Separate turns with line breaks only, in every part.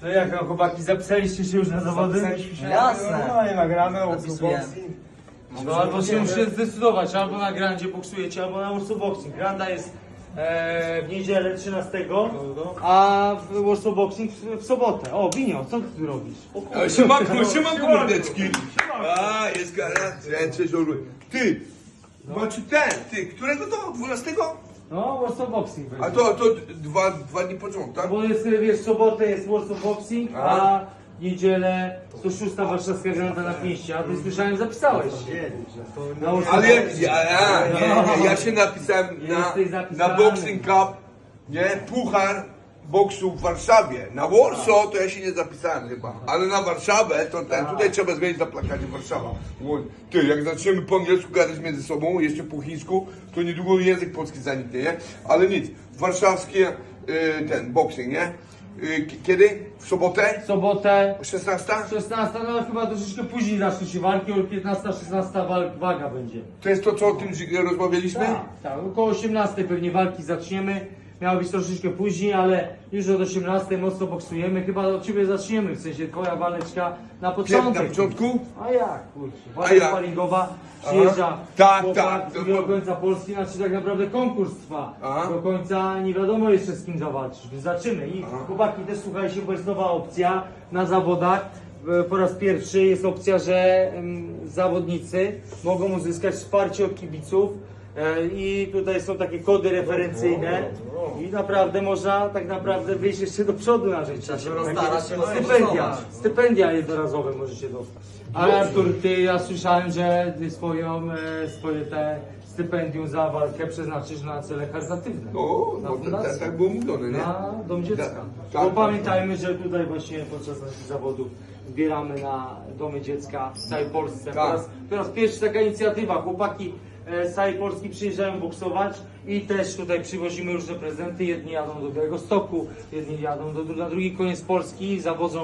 No jak tam chłopaki, zapisaliście się już na zawody?
Jasne.
No i nagramy,
Zapisujemy.
No albo się musicie zdecydować, albo na grandzie boksujecie, albo na Warsaw Boxing. Granda jest w niedzielę 13, a w Warsaw Boxing w sobotę. O, Binio, co ty tu robisz? O, kurde.
Siemanko mordeczki. A, jest garacja, cześć orły. Ty, znaczy ty, którego to? 12?
No, Warsaw Boxing będzie.
A to dwa dni po rząd, tak?
Bo jest, wiesz, w sobotę jest Warsaw Boxing, a w niedzielę 106. Warszawska Granda na pięści. A ty słyszałem, zapisałeś się. Na Warsaw
Ale
Boxing.
ja się napisałem
Jesteś
na
zapisany.
Boxing Cup, nie? Puchar boksu w Warszawie. Na Warsaw to ja się nie zapisałem chyba, ale na Warszawę to tutaj trzeba zmienić na plakacie Warszawa. Ty, jak zaczniemy po angielsku gadać między sobą, jeszcze po chińsku, to niedługo język polski zaniknie, nie? Ale nic, warszawski boxing, nie? Kiedy? W sobotę?
W sobotę
16?
16, no chyba troszeczkę później zaczną się walki, o 15-16 waga będzie.
To jest to, co o tym rozmawialiśmy?
Tak, około 18 pewnie walki zaczniemy. Miało być troszeczkę później, ale już od 18 mocno boksujemy. Chyba od ciebie zaczniemy, w sensie twoja waleczka na początek.
Na początku?
A jak, kurczę,
A
walka
jak?
sparingowa, przyjeżdża
Tak,
chłopak
tak.
do końca Polski, znaczy tak naprawdę konkurs trwa.
Aha.
Do końca nie wiadomo jeszcze z kim zawalczysz, więc zaczymy. I chłopaki też słuchajcie, bo jest nowa opcja na zawodach. Po raz pierwszy jest opcja, że zawodnicy mogą uzyskać wsparcie od kibiców. I tutaj są takie kody referencyjne i naprawdę można tak naprawdę wyjść jeszcze do przodu na rzecz.
rozdarać się,
Stypendia jednorazowe możecie dostać. Ale Artur, ty, ja słyszałem, że ty swoje te stypendium za walkę przeznaczysz na cele charytatywne.
No,
fundację.
tak było mówione, nie?
Na Dom Dziecka.
Tak,
Bo
tak,
pamiętajmy, że tutaj właśnie podczas naszych zawodów zbieramy na Domy Dziecka w całej Polsce.
Tak.
Po raz pierwszy taka inicjatywa. Chłopaki z całej Polski przyjeżdżają boksować i też tutaj przywozimy różne prezenty. Jedni jadą do Białegostoku, jedni jadą na drugi koniec Polski, zawodzą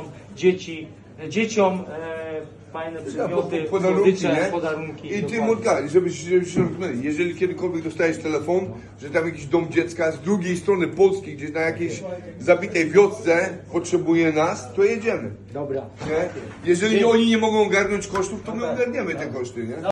dzieciom fajne przedmioty, słodycze, podarunki.
I ty,
dokładnie.
Murka, żebyś rozumieli, jeżeli kiedykolwiek dostajesz telefon, że tam jakiś dom dziecka z drugiej strony Polski, gdzieś na jakiejś zabitej wiosce potrzebuje nas, to jedziemy.
Dobra.
Nie? Jeżeli oni nie mogą ogarnąć kosztów, to my ogarniemy te koszty, nie?